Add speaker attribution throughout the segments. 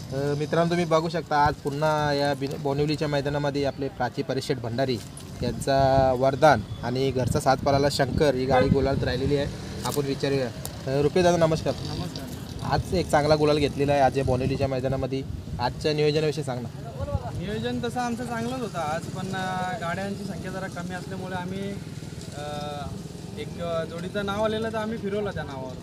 Speaker 1: मित्रांनो, तुम्ही बघू शकता आज पुन्हा या बोनिवलीच्या मैदानामध्ये आपले प्राची परिषद भंडारी यांचा वरदान आणि घरचा साथ पळाला शंकर ही गाडी गुलालात राहिलेली आहे. आपण विचारूया. रुपये दादा नमस्कार.
Speaker 2: नमस्कार.
Speaker 1: आज एक चांगला गुलाल घेतलेला आहे आज या बोनिवलीच्या मैदानामध्ये. आजच्या नियोजनाविषयी सांग ना.
Speaker 2: नियोजन तसं आमचं चांगलंच होतं आज, पण गाड्यांची संख्या जरा कमी असल्यामुळे आम्ही एक जोडीचं नाव आलेलं तर आम्ही फिरवलं त्या नावावर.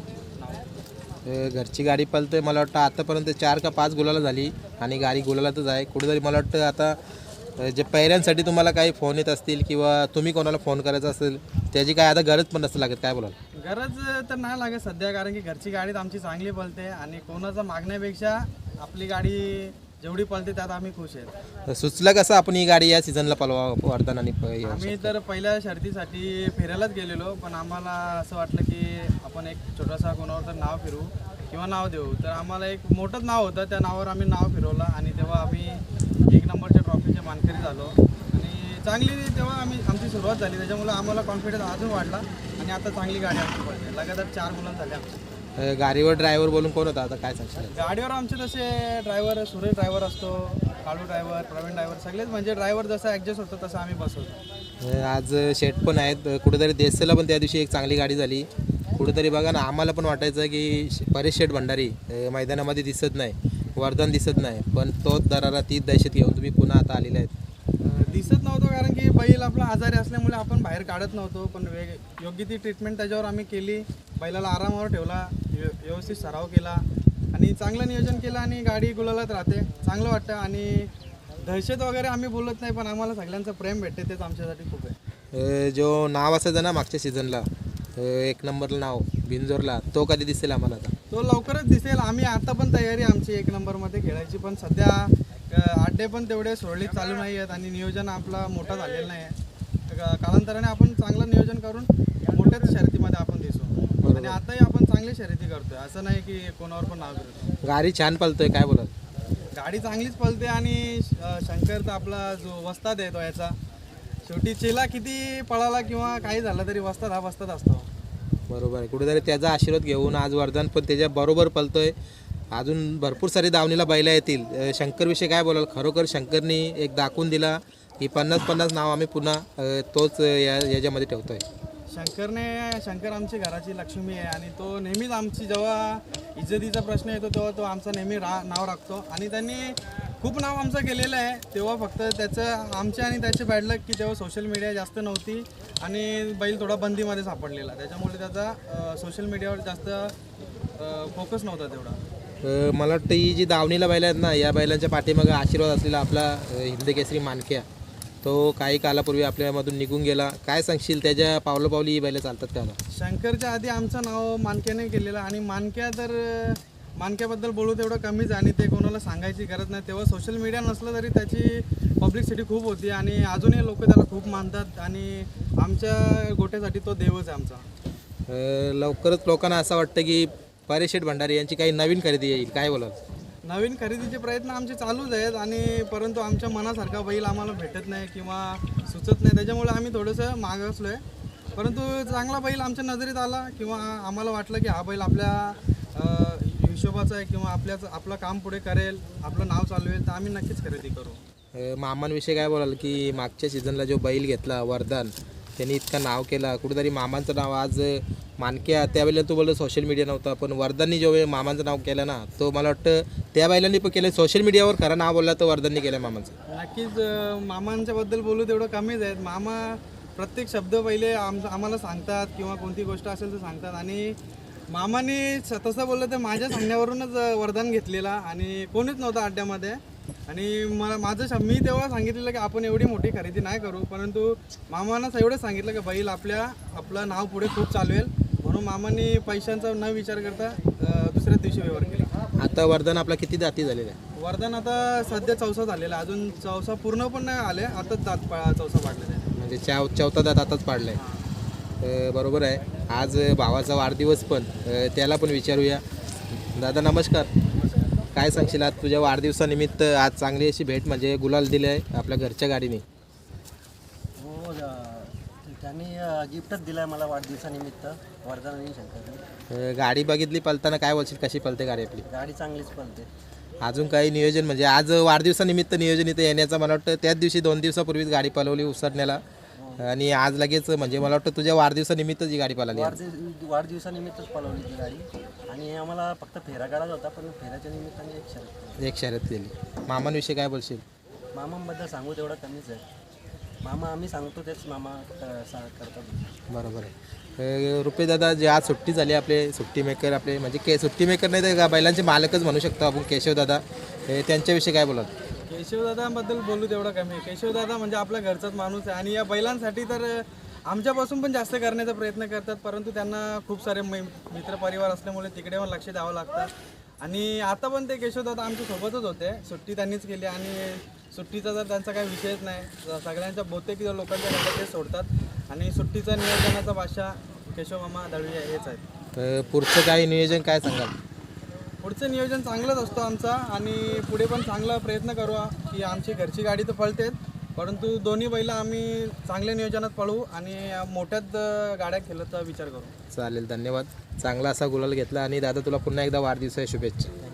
Speaker 1: घरची गाडी पळते. मला वाटतं आतापर्यंत 4 का 5 गुलाला झाली आणि गाडी गुलालातच आहे. कुठेतरी मला वाटतं आता जे पैऱ्यांसाठी तुम्हाला काही फोन येत असतील किंवा तुम्ही कोणाला फोन करायचा असेल त्याची काय आता गरज पण नसते लागत, काय बोलाल?
Speaker 2: गरज तर नाही लागत सध्या, कारण की घरची गाडी आमची चांगली पळते आणि कोणाचं मागण्यापेक्षा आपली गाडी जेवढी पळते त्यात आम्ही खुश आहेत.
Speaker 1: सुचलं कसं आपण ही गाडी या सीझनला पळवा वर्धन आणि
Speaker 2: आम्ही तर पहिल्या शर्तीसाठी फिरायलाच गेलेलो, पण आम्हाला असं वाटलं की आपण एक छोटासा कोणावर तर नाव फिरू किंवा नाव देऊ. तर आम्हाला एक मोठंच नाव होतं, त्या नावावर आम्ही नाव फिरवलं आणि तेव्हा आम्ही 1 नंबरच्या ट्रॉफीचे मानकरी झालो आणि चांगली तेव्हा आमची सुरुवात झाली. त्याच्यामुळे आम्हाला कॉन्फिडन्स अजून वाढला आणि आता चांगली गाडी आमची पडते. लगातार 4 मुलं झाले आमचे.
Speaker 1: गाडीवर ड्रायव्हर बोलून कोण होता आता, काय सांगशील?
Speaker 2: गाडीवर आमचे तसे ड्रायव्हर, सुरेश ड्रायव्हर असतो, काळू ड्रायव्हर, प्रवीण ड्रायव्हर, सगळेच म्हणजे ड्रायव्हर जसं ॲडजस्ट होतं तसं आम्ही बसवतो.
Speaker 1: आज शेट पण आहेत. कुठेतरी देसेला पण त्या दिवशी एक चांगली गाडी झाली. कुठेतरी बघा ना, आम्हाला पण वाटायचं की परेश शेठ भंडारी मैदानामध्ये दिसत नाही, वर्धन दिसत नाही, पण तोच दरारा तीच दहशत घेऊन तुम्ही पुन्हा आता आलेला आहेत.
Speaker 2: दिसत नव्हतं कारण की बैल आपला आजारी असल्यामुळे आपण बाहेर काढत नव्हतो, पण योग्य ती ट्रीटमेंट त्याच्यावर आम्ही केली. बैलाला आरामावर ठेवला, व्यवस्थित सराव केला आणि चांगलं नियोजन केलं आणि गाडी गुलालात राहते. चांगलं वाटतं आणि दहशत वगैरे आम्ही बोलत नाही, पण आम्हाला सगळ्यांचं प्रेम भेटते तेच आमच्यासाठी खूप आहे.
Speaker 1: जो नाव असायचं ना मागच्या सीझनला 1 नंबरला नाव बिंजोरला, तो कधी दिसेल आम्हाला? आता
Speaker 2: तो लवकरच दिसेल. आम्ही आता पण तयारी आमची 1 नंबरमध्ये खेळायची, पण सध्या अड्डे पण तेवढे सुरळीत चालू नाही आहेत आणि नियोजन आपला मोठा झालेला नाही आहे. कालांतराने आपण चांगलं नियोजन करून मोठ्याच शर्यतीमध्ये आपण दिसू आणि आताही आपण चांगली शर्यती करतोय, असं नाही की कोणावर पण नाव करतो.
Speaker 1: गाडी छान पळतोय, काय बोलाल?
Speaker 2: गाडी चांगलीच पळते आणि शंकर तर आपला जो वस्ताद आहे तो याचा, शेवटी चेला किती पळाला किंवा काही झालं तरी वस्ताद हा वस्ताद असतो.
Speaker 1: बरोबर आहे. कुठेतरी त्याचा आशीर्वाद घेऊन आज वर्धन पण त्याच्या बरोबर पळतोय. अजून भरपूर सारी दावणीला बैला येतील. शंकरविषयी काय बोलाल? खरोखर शंकरनी एक दाखवून दिला की 50-50 नाव आम्ही पुन्हा तोच याच्यामध्ये ठेवतोय.
Speaker 2: शंकर आमची घराची लक्ष्मी आहे आणि तो नेहमीच आमची जेव्हा इज्जतीचा प्रश्न येतो तेव्हा तो आमचं नेहमी नाव राखतो आणि त्यांनी खूप नाव आमचं केलेलं आहे. तेव्हा फक्त त्याचं आमचे आणि त्याचे बॅडलक की तेव्हा सोशल मीडिया जास्त नव्हती आणि बैल थोडा बंदीमध्ये सापडलेला, त्याच्यामुळे त्याचा सोशल मीडियावर जास्त फोकस नव्हता तेवढा.
Speaker 1: मला वाटतं ही जी दावणीला बैल आहेत ना, या बैलांच्या पाठीमागे आशीर्वाद असलेला आपला हिंदकेसरी मानक्या, तो काही कालापूर्वी आपल्यामधून निघून गेला. काय सांगशील, त्याच्या पावलोपावली ही बैलं चालतात का?
Speaker 2: शंकरच्या आधी आमचं नाव मानक्याने केलेलं आणि मानक्या तर मानक्याबद्दल बोलू तेवढं कमीच आणि ते कोणाला सांगायची गरज नाही. तेव्हा सोशल मीडिया नसलं तरी त्याची पब्लिसिटी खूप होती आणि अजूनही लोक त्याला खूप मानतात आणि आमच्या गोट्यासाठी तो देवच आहे आमचा.
Speaker 1: लवकरच लोकांना असं वाटतं की परेश शेठ भंडारी यांची काही नवीन खरेदी येईल, काय बोलाल?
Speaker 2: नवीन खरेदीचे प्रयत्न आमचे चालूच आहेत आणि परंतु आमच्या मनासारखा बैल आम्हाला भेटत नाही किंवा सुचत नाही, त्याच्यामुळे आम्ही थोडंसं मागासलो आहे. परंतु चांगला बैल आमच्या नजरेत आला किंवा आम्हाला वाटलं की हा बैल आपल्या हिशोबाचा आहे किंवा आपलं काम पुढे करेल, आपलं नाव चालवेल, तर आम्ही नक्कीच खरेदी करू.
Speaker 1: मामांविषयी काय बोलाल की मागच्या सीझनला जो बैल घेतला वर्धन, त्यांनी इतकं नाव केला. कुठेतरी मामांचं नाव आज मानक्या, त्यावेळेला तू बोललो सोशल मीडिया नव्हता, पण वर्धननी जो वेळ मामांचं नाव केलं ना, तो मला वाटतं त्या बैलांनी पण केलं. सोशल मीडियावर खरं नाव बोलला तर वर्धननी केलं मामांचं.
Speaker 2: नक्कीच मामांच्याबद्दल बोलू तेवढं कमीच आहेत. मामा प्रत्येक शब्द पहिले आम्हाला सांगतात किंवा कोणती गोष्ट असेल तर सांगतात आणि मामाने तसं बोललं तर माझ्या सांगण्यावरूनच वरदान घेतलेला आणि कोणीच नव्हतं अड्ड्यामध्ये आणि मी तेव्हा सांगितलेलं की आपण एवढी मोठी खरेदी नाही करू, परंतु मामानं एवढंच सांगितलं की बैल आपलं नाव पुढे खूप चालवेल, म्हणून मामांनी पैशांचा न विचार करता दुसऱ्या दिवशी व्यवहार केला.
Speaker 1: आता वर्धन आपला किती जाती झालेला आहे?
Speaker 2: वर्धन आता सध्या 4सा झालेला, अजून 4सा पूर्ण पण नाही आले, आताच 4सा पाडलेला आहे.
Speaker 1: म्हणजे चौथा दात आताच पाडलाय. बरोबर आहे. आज भावाचा वाढदिवस पण, त्याला पण विचारूया. दादा नमस्कार. काय सांगशील, आज तुझ्या वाढदिवसानिमित्त आज चांगली अशी भेट म्हणजे गुलाल दिली आहे आपल्या घरच्या गाडीने?
Speaker 3: हो, त्यांनी गिफ्टच दिलं आहे मला वाढदिवसानिमित्त, वर्धन आणि शंकरने.
Speaker 1: गाडी बघितली पळताना, काय बोलशील, कशी पळते गाडी आपली?
Speaker 3: गाडी चांगलीच पळते.
Speaker 1: अजून काही नियोजन म्हणजे आज वाढदिवसानिमित्त नियोजन इथं येण्याचं मला वाटतं त्याच दिवशी 2 दिवसापूर्वीच गाडी पळवली उसरण्याला आणि आज लगेच म्हणजे मला वाटतं तुझ्या वाढदिवसानिमित्तच ही गाडी पळाली आज.
Speaker 3: वाढदिवसानिमित्तच पळवली ती गाडी आणि आम्हाला फक्त फेरा काढायचा होता, पण फेऱ्याच्या निमित्ताने एक शर्यत.
Speaker 1: एक शर्यत केली. मामांविषयी काय बोलशील?
Speaker 3: मामांबद्दल सांगू तेवढं कमीच आहे. मामा आम्ही सांगतो तेच मामा करतात.
Speaker 1: बरोबर आहे. रुपये दादा जे आज सुट्टी झाली आपले सुट्टी मेकर आपले म्हणजे सुट्टी मेकर नाही तर बैलांचे मालकच म्हणू शकतो आपण केशव दादा, त्यांच्याविषयी काय बोलाल?
Speaker 2: केशवदादांबद्दल बोलू तेवढं कमी आहे. केशवदादा म्हणजे आपला घरचाच माणूस आहे आणि या बैलांसाठी तर आमच्यापासून पण जास्त करण्याचा प्रयत्न करतात, परंतु त्यांना खूप सारे मित्रपरिवार असल्यामुळे तिकडे पण लक्ष द्यावं लागतं. आणि आता पण ते केशवदादा आमच्या सोबतच होते, सुट्टी त्यांनीच केली आणि सुट्टीचा जर त्यांचा काही विषयच नाही. सगळ्यांच्या बहुतेक लोकांच्या घरात ते सोडतात आणि सुट्टीचा नियोजनाचा भाषा केशवमामा दळवी हेच आहेत.
Speaker 1: पुढचं काय नियोजन काय सांगाल?
Speaker 2: पुढचं नियोजन चांगलंच असतो आमचा आणि पुढे पण चांगला प्रयत्न करू की आमची घरची गाडी तर पळतेच, परंतु दोन्ही बैला आम्ही चांगल्या नियोजनात पळवू आणि मोठ्यात गाड्या खेळण्याचा विचार करू.
Speaker 1: चालेल, धन्यवाद. चांगला असा गुलाल घेतला आणि दादा तुला पुन्हा एकदा वाढदिवसाच्या शुभेच्छा.